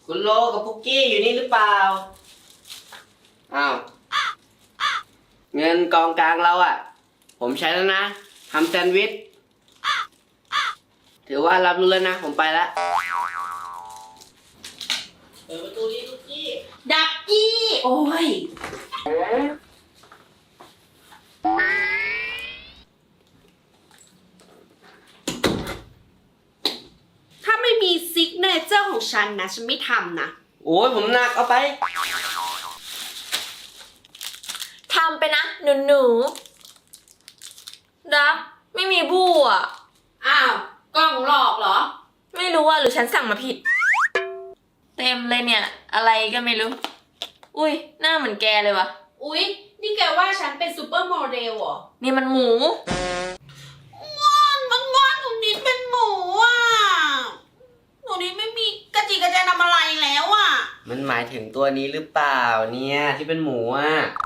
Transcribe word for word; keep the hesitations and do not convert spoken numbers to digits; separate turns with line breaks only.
คุณโลกับพุกกี้อยู่นี่หรือเปล่าอ้าวเงินกองกลางเราอ่ะผมใช้แล้วนะทำแซนด์วิชถือว่ารับรู้แล้วนะผมไปแล้วเปิดประตูนี้พุกกี้
ดักกี้โอ้ยถ้าไม่มีซิกเนเจอร์ของฉันนะฉันไม่ทำนะ
โอ้ยผมหนักเอาไป
ทำไปนะหนูหนูรักไม่มีบู้อ่ะ
อ้าวกล้องหลอกเหรอ
ไม่รู้ว่าหรือฉันสั่งมาผิดเต็มเลยเนี่ยอะไรก็ไม่รู้อุ้ยหน้าเหมือนแกเลยวะ
อุ๊ยนี่แกว่าฉันเป็นซูเปอร์โมเดลเหรอ
นี่มันหมู
งอนมันงอนหนูนิดเป็นหมูอ่ะหนูนิดไม่มีกระจิกกระใจทำอะไรแล้วอ่ะ
มันหมายถึงตัวนี้หรือเปล่าเนี่ยที่เป็นหมูอ่ะ